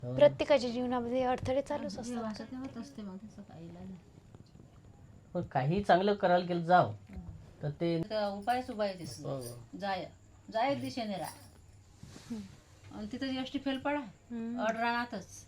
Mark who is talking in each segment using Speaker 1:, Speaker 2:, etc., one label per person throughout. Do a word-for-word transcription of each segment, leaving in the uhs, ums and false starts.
Speaker 1: प्रत्येकाच्या जीवनामध्ये अडथळे चालूच असतात.
Speaker 2: पण काही चांगलं करायला गेलं जाव तर ते
Speaker 3: उपायच उपाय दिसतो. जाय जाय दिशेने राहा आणि तिथं एसटी फेल पडा अड रानातच.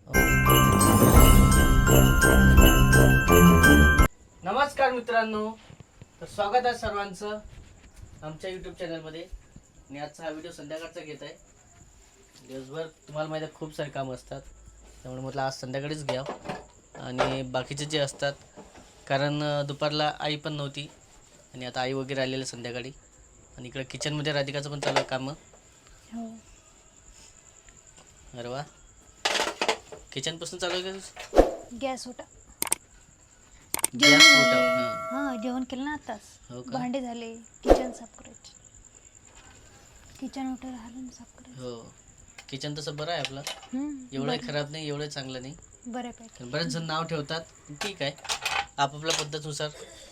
Speaker 2: नमस्कार मित्रांनो, तर स्वागत आहे सर्वांचं आमच्या यूट्यूब चॅनलमध्ये. आणि आजचा हा व्हिडिओ संध्याकाळचा घेत आहे. दिवसभर तुम्हाला माहिती आहे खूप सारे कामं असतात, त्यामुळे म्हटलं आज संध्याकाळीच घ्या. आणि बाकीचे जे असतात, कारण दुपारला आई पण नव्हती आणि आता आई वगैरे आलेले संध्याकाळी. आणि इकडे किचनमध्ये राधिकाचं पण चालू आहे कामं.
Speaker 1: हो.
Speaker 2: अरे वा, किचनपासून चालू आहे का?
Speaker 1: गॅस होता.
Speaker 2: गॅस होता. हां
Speaker 1: हां, जेवण केलं ना आताच.
Speaker 2: हो का?
Speaker 1: भांडे झाले, किचन साफ करायचे. किचन ओटर राहिलं साफ करायचं.
Speaker 2: हो, किचन तसं बरं आहे आपलं.
Speaker 1: हम्म,
Speaker 2: एवढं खराब नाही, एवढं चांगलं नाही.
Speaker 1: बरं आहे पाहिजे.
Speaker 2: बरेच जण नाव ठेवतात, ठीक आहे, आपापल्या पद्धतीनुसार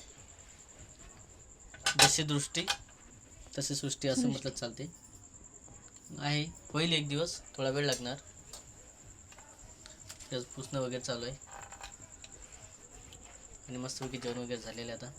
Speaker 2: जशी दृष्टी तशी सृष्टी असं म्हटलं चालते. आहे, होईल एक दिवस, थोडा वेळ लागणार. त्याच पुसणं वगैरे चालू आहे आणि मस्तपैकी जेवण वगैरे झालेलं आता.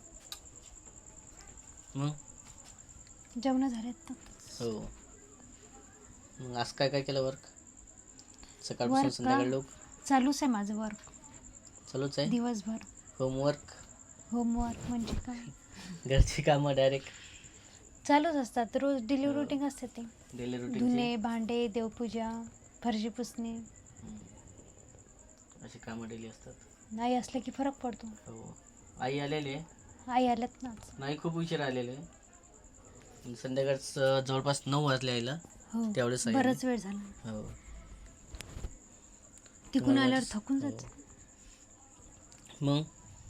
Speaker 2: मग
Speaker 1: जेवण झालेत ना.
Speaker 2: हो, मग आज काय काय केलं वर्क? सकाळपासून संध्याकाळ लोक
Speaker 1: चालूच आहे माझं वर्क.
Speaker 2: चालूच आहे
Speaker 1: दिवसभर
Speaker 2: होमवर्क.
Speaker 1: होमवर्क म्हणजे काय,
Speaker 2: घरची कामं डायरेक्ट
Speaker 1: चालूच असतात. रोज डेली रुटीन असते ते.
Speaker 2: डेली रुटीन
Speaker 1: धुणे, भांडे, देवपूजा, फरशी पुसणे,
Speaker 2: अशी कामं डेली असतात.
Speaker 1: नाही असलं की फरक पडतो.
Speaker 2: हो, आई आलेली आहे.
Speaker 1: आई आल्यात ना.
Speaker 2: नाही, खूप उशीर आलेले आहे. संध्याकाळचं जवळपास नऊ वाजले आईला.
Speaker 1: हो,
Speaker 2: त्यावेळेस आई
Speaker 1: बराच वेळ झाला.
Speaker 2: हो,
Speaker 1: तिकून आल्यावर थकून जात.
Speaker 2: मग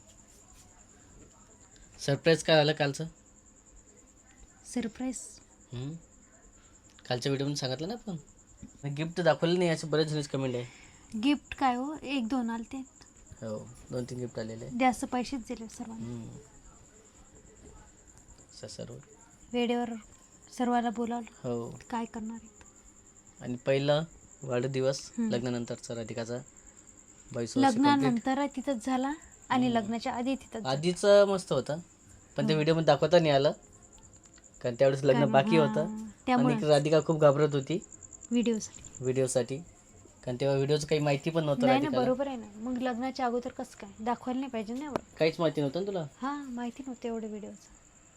Speaker 2: सरप्राईज काय झालं कालचं?
Speaker 1: सरप्राईज
Speaker 2: हम्म. कालच्या व्हिडिओमध्ये सांगितलं ना आपण, गिफ्ट दाखवलं नाही असे बरेच जणच कमेंट आहे.
Speaker 1: गिफ्ट काय हो, एक दोन आलते.
Speaker 2: हो, दोन तीन गिफ्ट आलेले.
Speaker 1: जास्त पैसेच दिले सर्वांना.
Speaker 2: सर्व
Speaker 1: वेळेवर सर्वांना बोलावलं.
Speaker 2: हो,
Speaker 1: काय करणार आहे.
Speaker 2: आणि पहिला वाढदिवस लग्नानंतरचा राधिकाचा. बावीस वर्ष
Speaker 1: लग्नानंतर तिथंच झाला आणि लग्नाच्या आधी तिथंच.
Speaker 2: आधीच मस्त होतं, पण ते व्हिडिओमध्ये दाखवता नाही आलं कारण त्यावेळेस लग्न बाकी होतं. आणि राधिका खूप घाबरत होती
Speaker 1: व्हिडिओसाठी
Speaker 2: व्हिडिओसाठी कारण तेव्हा व्हिडिओचं काही माहिती पण नव्हतं.
Speaker 1: नाही ना, बरोबर आहे ना. मग लग्नाच्या अगोदर कसं काय दाखवायला नाही पाहिजे ना.
Speaker 2: काहीच माहिती नव्हतं ना तुला?
Speaker 1: हा, माहिती नव्हतं एवढं व्हिडिओचं.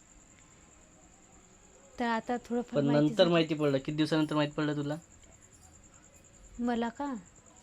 Speaker 1: तर आता थोडं
Speaker 2: पण नंतर माहिती पडलं. किती दिवसानंतर माहिती पडलं तुला?
Speaker 1: मला का,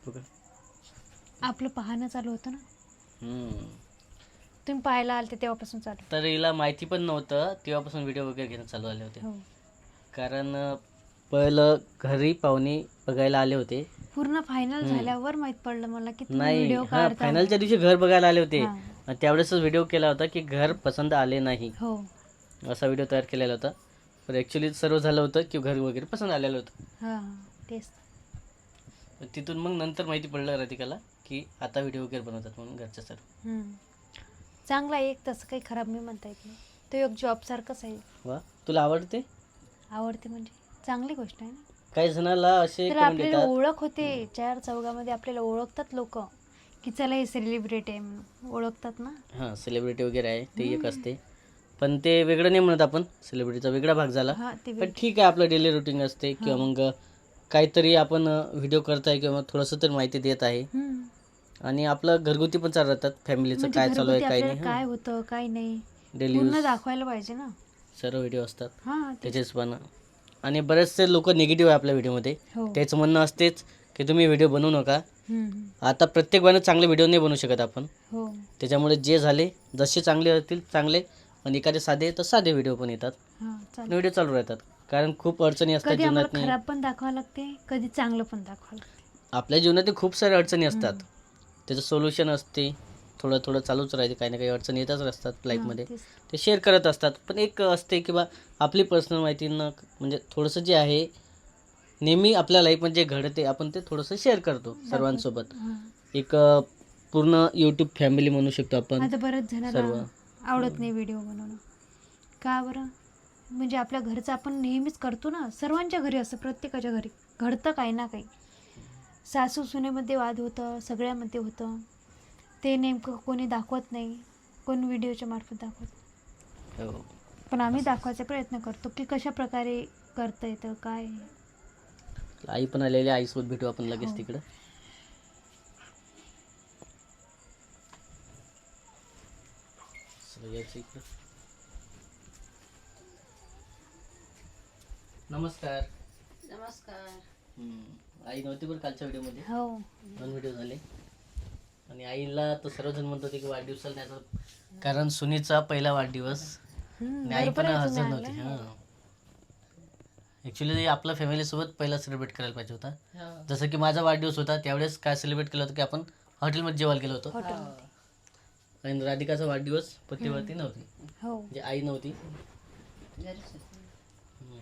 Speaker 1: आपलं पाहणं चालू होतं ना. तुम्ही पाहायला आलते तेव्हापासून चालू.
Speaker 2: तर हिला माहिती पण नव्हतं, तेव्हापासून व्हिडिओ वगैरे घेणं चालू झाले होते. कारण पहिलं घरी पाहुणे बघायला आले होते.
Speaker 1: पूर्ण फायनल झाल्यावर माहित पडलं मला की
Speaker 2: नाही,
Speaker 1: व्हिडिओ
Speaker 2: हा, फायनलच्या दिवशी घर बघायला आले होते. त्यावेळेस व्हिडिओ केला होता की घर पसंत आले नाही,
Speaker 1: हो,
Speaker 2: असा व्हिडिओ तयार केलेला होता. पण ॲक्च्युली सर्व झालं होतं की घर वगैरे पसंत आलेलं होतं.
Speaker 1: हां, तेच.
Speaker 2: तिथून मग नंतर माहिती पडलं राधिकाला की आता व्हिडिओ वगैरे बनवतात म्हणून घरच्या सर्व.
Speaker 1: चांगला आहे, एक तसं काही खराब नाही म्हणता येत नाही. तो एक जॉब सारखंच आहे.
Speaker 2: वा, तुला आवडते?
Speaker 1: आवडते म्हणजे चांगली गोष्ट आहे ना.
Speaker 2: काही जणाला असे
Speaker 1: तर आपल्याला ओळख होते, चार चौघामध्ये आपल्याला ओळखतात लोक की चला हे सेलिब्रिटी आहे म्हणून ओळखतात ना.
Speaker 2: हां, सेलिब्रिटी वगैरे आहे ते एक असते, पण ते वेगळं नाही म्हणत आपण. सेलिब्रिटीचा वेगळा भाग झाला. पण ठीक आहे, आपलं डेली रुटीन असते किंवा मग काहीतरी आपण व्हिडिओ करताय किंवा थोडंसं तरी माहिती देत आहे. आणि आपलं घरगुती पण चालू राहतात, फॅमिलीचं काय चालू आहे काय नाही,
Speaker 1: काय होतं काय नाही
Speaker 2: डेली
Speaker 1: पूर्ण दाखवायला पाहिजे ना.
Speaker 2: सर्व व्हिडिओ असतात
Speaker 1: हां,
Speaker 2: त्याचेच पण. आणि बरेचसे लोक निगेटिव्ह आहे आपल्या व्हिडिओमध्ये. त्याचं म्हणणं असतेच की तुम्ही व्हिडिओ बनवू नका. आता प्रत्येक वेळेला चांगले व्हिडिओ नाही बनवू शकत आपण. त्याच्यामुळे जे झाले जसे चांगले असतील चांगले, आणि एखादे साधे तर साधे व्हिडिओ पण येतात, व्हिडिओ चालू राहतात. कारण खूप अडचणी असतात जीवनात.
Speaker 1: खराब पण दाखवावं लागते, कधी चांगलं पण दाखवावं लागते.
Speaker 2: आपल्या जीवनात खूप साऱ्या अडचणी असतात, त्याचं सोल्युशन असते. थोडं थोडं चालूच राहते, काही ना काही अडचणी येतच असतात लाईफमध्ये, ते शेअर करत असतात. पण एक असते की बा आपली पर्सनल माहिती न, म्हणजे थोडंसं जे आहे नेहमी आपल्या लाईफमध्ये जे घडते आपण ते थोडंसं शेअर करतो सर्वांसोबत. एक पूर्ण यूट्यूब फॅमिली म्हणू शकतो आपण.
Speaker 1: आता बरंच जणांना आवडत नाही व्हिडिओ बनवणं. का बरं? म्हणजे आपल्या घरचं आपण नेहमीच करतो ना. सर्वांच्या घरी असं, प्रत्येकाच्या घरी घडतं काही ना काही. सासू सुनेमध्ये वाद होतं, सगळ्यामध्ये होतं. ते नेमकं कोणी दाखवत नाही, कोण व्हिडिओच्या मार्फत दाखवत.
Speaker 2: हो.
Speaker 1: पण आम्ही दाखवायचा प्रयत्न करतो की कशा प्रकारे करता येतं काय.
Speaker 2: आई पण आलेली, आईसोबत भेटू आपण लगेच
Speaker 1: हो.
Speaker 2: तिकडं. चला, यायचं इकडं. नमस्कार.
Speaker 3: नमस्कार.
Speaker 2: हम्म. आई नव्हती बरं कालच्या व्हिडिओमध्ये,
Speaker 1: हो.
Speaker 2: दोन व्हिडिओ झाले. आणि आईला तर सर्वजण म्हणत होते की वाढदिवसाला न्यायचं, कारण सुनीचा पहिला वाढदिवस
Speaker 1: हम्म,
Speaker 2: आणि आई पण
Speaker 1: बरोबर आहे
Speaker 2: हजर
Speaker 1: तुम्ही
Speaker 2: नव्हती.
Speaker 1: आणलं.
Speaker 2: हां, ॲक्च्युली आपला फॅमिलीसोबत पहिला सेलिब्रेट करायला पाहिजे होता.
Speaker 3: हो.
Speaker 2: जसं की माझा वाढदिवस होता त्यावेळेस काय सेलिब्रेट केलं होतं की आपण हॉटेलमध्ये जेवायला गेलो होतो.
Speaker 1: हॉटेलमध्ये.
Speaker 2: आणि राधिकाचा वाढदिवस पतीवरती नव्हती,
Speaker 1: हो.
Speaker 2: म्हणजे आई नव्हती.
Speaker 3: घरीच होते.
Speaker 2: हम्म.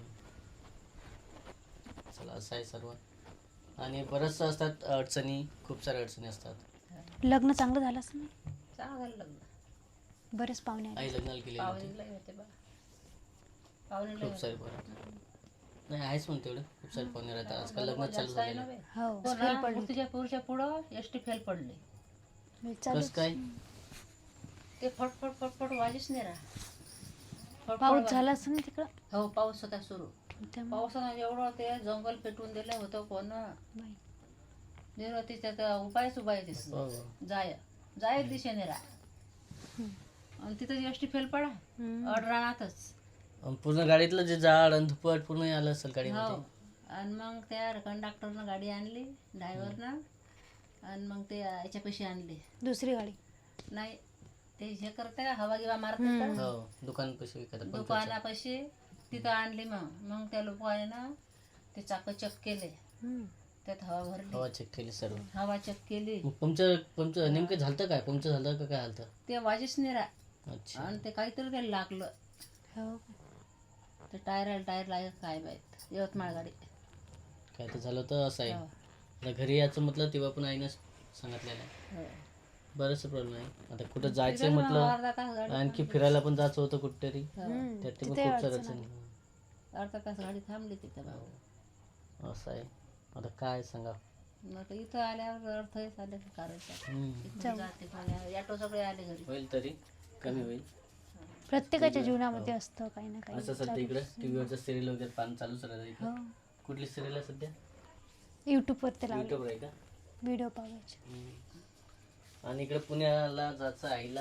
Speaker 2: चला, असं आहे सर्व. आणि बरंचसं असतात अडचणी, खूप साऱ्या अडचणी असतात.
Speaker 1: लग्न चांगलं झालं असं नाही.
Speaker 3: चांगलं झालं लग्न.
Speaker 1: बरेच पाहुणे आले.
Speaker 2: आई लग्नाला केलेली होती,
Speaker 3: पाहुणेला होते बा. पाहुणेला
Speaker 2: खूप सारे बरं. नाही आहेच म्हणते एवढं, खूप सारे पाहुणे राहतात आजकाल, लग्न चालू
Speaker 3: जास्त आहे
Speaker 2: झालेलं
Speaker 3: ना
Speaker 2: आहे.
Speaker 3: बे.
Speaker 1: हो.
Speaker 3: हो
Speaker 1: फेल
Speaker 3: ना,
Speaker 1: पडली.
Speaker 3: मूर्तीच्या पुढच्या पुढं एस टी फेल पडली.
Speaker 2: कसं काय?
Speaker 3: ते फटफट फटफट वाजीच नाही राहा. फटफट
Speaker 1: पाऊस
Speaker 3: वाज-
Speaker 1: झाला असं ना तिकडं.
Speaker 3: हो, पाऊस होता सुरू.
Speaker 1: त्यामुळे
Speaker 3: पावसानं एवढं ते जंगल पेटवून दिलं होतं कोण
Speaker 1: बाई.
Speaker 3: निर्वती त्याचा उपायच उपाय दिसला.
Speaker 2: हो.
Speaker 3: जाय जाय दिशेने राहा. आणि तिथं एस टी फेल पडा
Speaker 1: हम्म.
Speaker 3: अड रानातच.
Speaker 2: आणि पूर्ण गाडीतलं जे झाड आणि धुपट पूर्ण आलं असेल
Speaker 3: हो.
Speaker 2: गाडीमध्ये.
Speaker 3: आणि मग त्या कंडक्टरनं गाडी आणली, ड्रायव्हरनं. आणि मग ते याच्यापाशी आणली.
Speaker 1: दुसरी गाडी.
Speaker 3: नाही, ते हे करते का हवा गिवा मारते
Speaker 1: हम्म.
Speaker 3: का
Speaker 2: हो, दुकान पैसे विकत पंक्चरचं.
Speaker 3: दुकानापाशी तिथं आणली. मग मग त्या लोकांना ते चाक चेक केले,
Speaker 1: हम्म.
Speaker 3: त्यात हवा भरली,
Speaker 2: हवा चेक केली सर्व.
Speaker 3: हवा चेक केली.
Speaker 2: मग पंक्चर पंक्चर नेमकं झालं काय, पंक्चर झालं का काय झालं?
Speaker 3: ते वाजीच नाही राहा.
Speaker 2: अच्छा.
Speaker 3: आणि ते काहीतरी त्याला लागलं.
Speaker 1: हो.
Speaker 3: ते टायर टायर लागत काय माहित. यवतमाळ गाडी.
Speaker 2: काय तर झालं तर असं आहे.
Speaker 3: हो.
Speaker 2: आता घरी यायचं म्हटलं तेव्हा पण आईनं सांगितलेलं आहे.
Speaker 3: हो.
Speaker 2: बरंचसं प्रॉब्लेम आहे. आता कुठं जायचं
Speaker 3: तिथं
Speaker 2: म्हटलं,
Speaker 3: अर्धा तास गाडी
Speaker 2: आणखी फिरायला पण जायचं होतं कुठेतरी,
Speaker 1: हम्म.
Speaker 2: त्यात ते पण
Speaker 1: तिथे
Speaker 2: खूप सारं
Speaker 1: अडचण
Speaker 2: अडचणी.
Speaker 1: आली.
Speaker 3: अर्धा तास गाडी थांबली तिथं.
Speaker 2: हो. असं आहे. आता काय सांगा.
Speaker 3: मग तर इथं आल्यावर अर्थ हेच आले करायचं.
Speaker 2: हम्म.
Speaker 3: इथून जाते कोणी, ऑटो सगळे आले घरी.
Speaker 2: होईल तरी कमी होईल.
Speaker 1: प्रत्येकाच्या जीवनामध्ये असतं काही ना काही.
Speaker 2: असं सध्या इकडे टीव्हीवरचं सिरियल वगैरे पाहणं चालूच राहतं इकडे.
Speaker 1: हो.
Speaker 2: कुठली सिरियल आहे सध्या?
Speaker 1: युट्यूबवर ते लावले
Speaker 2: युट्यूबवर आहे का?
Speaker 1: व्हिडिओ पाहायचे.
Speaker 2: हम्म. आणि इकडे पुण्याला जायचं आईला.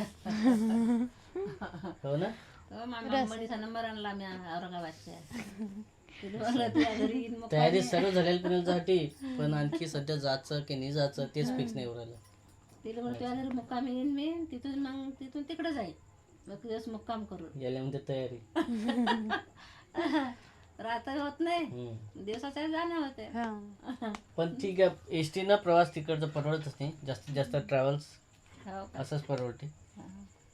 Speaker 2: हो ना?
Speaker 3: हो, मामा मडीचा नंबर आणला मी औरंगाबादच्या. तिला म्हणलं तुझ्या घरी येईन मग
Speaker 2: तयारी सर्व झालेली पुण्यासाठी, पण आणखी सध्या जायचं की नाही जायचं तेच फिक्स नाही राहिलं.
Speaker 3: तिला म्हणलं तुझ्या घरी मुक्काम येईन मी, तिथून मग तिथून तिकडे जाईल. मग दिवस मुक्काम करून
Speaker 2: याला म्हणजे तयारी.
Speaker 3: रात्र होत नाही,
Speaker 2: हम्म.
Speaker 3: दिवसाच्या जाणं होते.
Speaker 1: हा.
Speaker 2: पण ठीक आहे, एस टी न प्रवास तिकडचं परवडतच नाही. जास्तीत जास्त ट्रॅव्हल्स
Speaker 3: हो का?
Speaker 2: असंच परवडते.
Speaker 3: हा.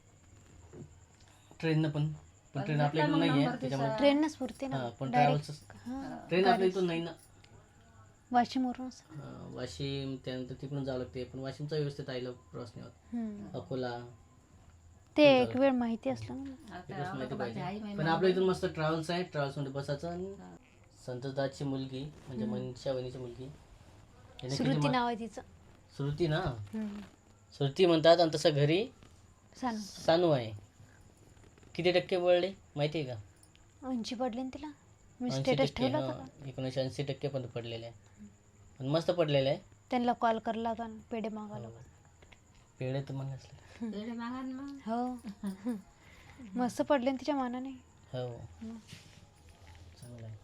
Speaker 2: ट्रेननं पण पण ट्रेन
Speaker 3: भेटला
Speaker 2: आपल्या इकडून
Speaker 3: मग
Speaker 2: नाही आहे
Speaker 3: नंबर
Speaker 2: त्याच्यामुळे.
Speaker 3: तिचा.
Speaker 1: ट्रेनच पुरते ना
Speaker 2: हां, पण
Speaker 1: डायरेक्ट.
Speaker 2: ट्रॅव्हल्स
Speaker 1: हा.
Speaker 2: ट्रेन आपल्या इथून नाही ना.
Speaker 1: वाशिमवरून.
Speaker 2: हां, वाशिम त्यानंतर तिकडून जावं लागते, पण वाशिमचा व्यवस्थित आईला प्रवास नाही होत.
Speaker 1: हम्म.
Speaker 2: अकोला
Speaker 1: ते एक वेळ माहिती असलं ना.
Speaker 3: आता
Speaker 2: तिकडंच माहिती
Speaker 3: औरंगाबादची आई
Speaker 2: पाहिजे.
Speaker 3: माहिती
Speaker 2: पण आपल्या इथून मस्त ट्रॅव्हल्स आहे, ट्रॅव्हल्समध्ये बसायचं. आणि
Speaker 3: हा.
Speaker 2: संतदाची मुलगी म्हणजे मनशा वहिनीची मुलगी, याने किती
Speaker 1: श्रुती
Speaker 2: मा-
Speaker 1: नाव आहे तिचं.
Speaker 2: श्रुती ना,
Speaker 1: हम्म.
Speaker 2: श्रुती म्हणतात. आणि तसं घरी
Speaker 1: सांग.
Speaker 2: सानू आहे. किती टक्के पडले माहिती आहे का?
Speaker 1: ऐंशी पडले ना तिला. मी
Speaker 2: ऐंशी
Speaker 1: स्टेटस
Speaker 2: टक्के.
Speaker 1: ठेवला होता
Speaker 2: हां,
Speaker 1: का?
Speaker 2: एकोणीसशे ऐंशी टक्के पण पडलेले आहे. पण मस्त पडलेलं आहे.
Speaker 1: त्यांना कॉल करायला का पेढे मागायला.
Speaker 2: पेढे तर मग असले.
Speaker 3: पेढे मागा ना मग.
Speaker 1: हो. मस्त पडले ना तिच्या मानाने.
Speaker 2: हो, चांगलं आहे.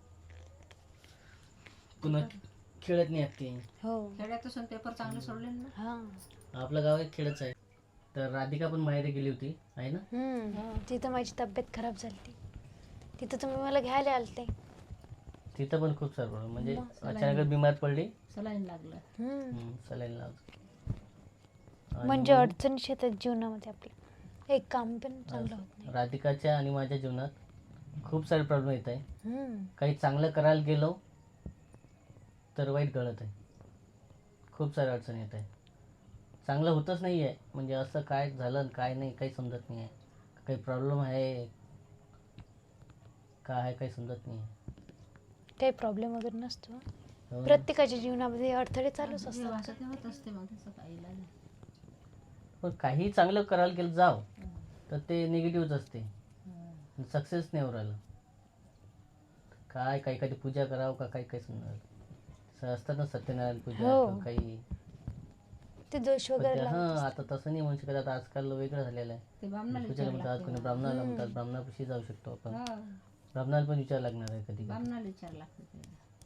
Speaker 2: पुन्हा खेळत नाही ती.
Speaker 1: हो.
Speaker 3: खेड्यातून पेपर चांगले सोडले ना.
Speaker 1: हा.
Speaker 2: आपलं गाव एक खेळच आहे. तर राधिका पण माहेरी गेली होती आहे ना.
Speaker 1: हम्म. तिथं माझी तब्येत खराब झाली ती. तिथं तुम्ही मला घ्यायला आलते.
Speaker 2: तिथं पण खूप सारं problem. म्हणजे
Speaker 3: मग
Speaker 2: अचानक बिमार पडली.
Speaker 3: सलाईन लागलं.
Speaker 1: हम्म.
Speaker 2: सलाईन लावलं.
Speaker 1: म्हणजे अडचणी येतात जीवनामध्ये आपल्या. एक काम पण चांगलं होत नाही.
Speaker 2: राधिकाच्या आणि माझ्या जीवनात खूप सारे प्रॉब्लेम येत आहे.
Speaker 1: हम्म.
Speaker 2: काही चांगलं करायला गेलो तर वाईट घडत आहे. खूप साऱ्या अडचणी येत आहे. चांगलं होतच नाही आहे. म्हणजे असं काय झालं आणि काय नाही काही समजत नाही आहे. काही प्रॉब्लेम आहे काय आहे काही समजत नाही आहे.
Speaker 1: काही प्रॉब्लेम वगैरे नसतो.
Speaker 2: हो.
Speaker 1: प्रत्येकाच्या जीवनामध्ये अडथळे चालूच
Speaker 3: जे
Speaker 1: असतात.
Speaker 3: वाचत होत असते मग त्याचं काही इलाज नाही.
Speaker 2: पण काही चांगलं करायला गेलं जाव
Speaker 3: हं.
Speaker 2: तर ते निगेटिव्हच असते,
Speaker 3: हं.
Speaker 2: सक्सेस नाही होऊ राहिलं. काय काही काही पूजा करावं का काही काही समजा असतात ना सत्यनारायण पूजा
Speaker 1: हो.
Speaker 2: किंवा काही.
Speaker 1: ते दोष
Speaker 2: पण
Speaker 1: वगैरे
Speaker 2: ते
Speaker 1: लावत
Speaker 2: हां
Speaker 1: असतात.
Speaker 2: आता तसं नाही म्हणू शकत. आता आजकाल वेगळं झालेलं आहे.
Speaker 3: ते बामणाला
Speaker 2: पूजा
Speaker 3: विचार
Speaker 2: म्हणतात,
Speaker 3: लागते
Speaker 2: कोणी
Speaker 3: बा.
Speaker 2: ब्राह्मणाला
Speaker 1: हम्म.
Speaker 2: म्हणतात, ब्राह्मणापाशी जाऊ शकतो आपण.
Speaker 3: हो.
Speaker 2: ब्राह्मणाला पण विचार लागणार आहे कधी कधी.
Speaker 3: बामणाला विचार लागते ते.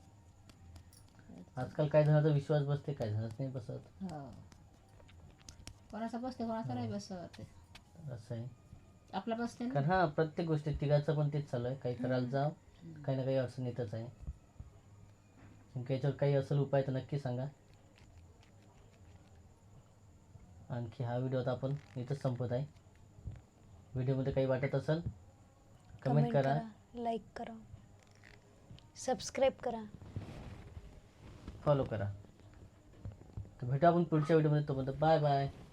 Speaker 2: आजकाल काही जणांचा विश्वास बसते, काही जणांच नाही बसत.
Speaker 3: हो. कोणाचा बसते कोणाचा नाही बसत.
Speaker 2: असं आहे.
Speaker 3: आपला बसते ना.
Speaker 2: कारण हां प्रत्येक गोष्टी तिघाचं पण तेच चालू आहे. काही करायला जाव, काही ना काही अडचण येतच आहे. आणखी याच्यावर काही असेल उपाय तर नक्की सांगा. आणखी हा व्हिडिओ आता आपण इथंच संपत आहे. व्हिडिओमध्ये काही वाटत असेल कमेंट करा.
Speaker 1: लाईक करा, सबस्क्राईब करा.
Speaker 2: फॉलो करा. तर भेटू आपण पुढच्या व्हिडिओमध्ये. तोपर्यंत बाय बाय.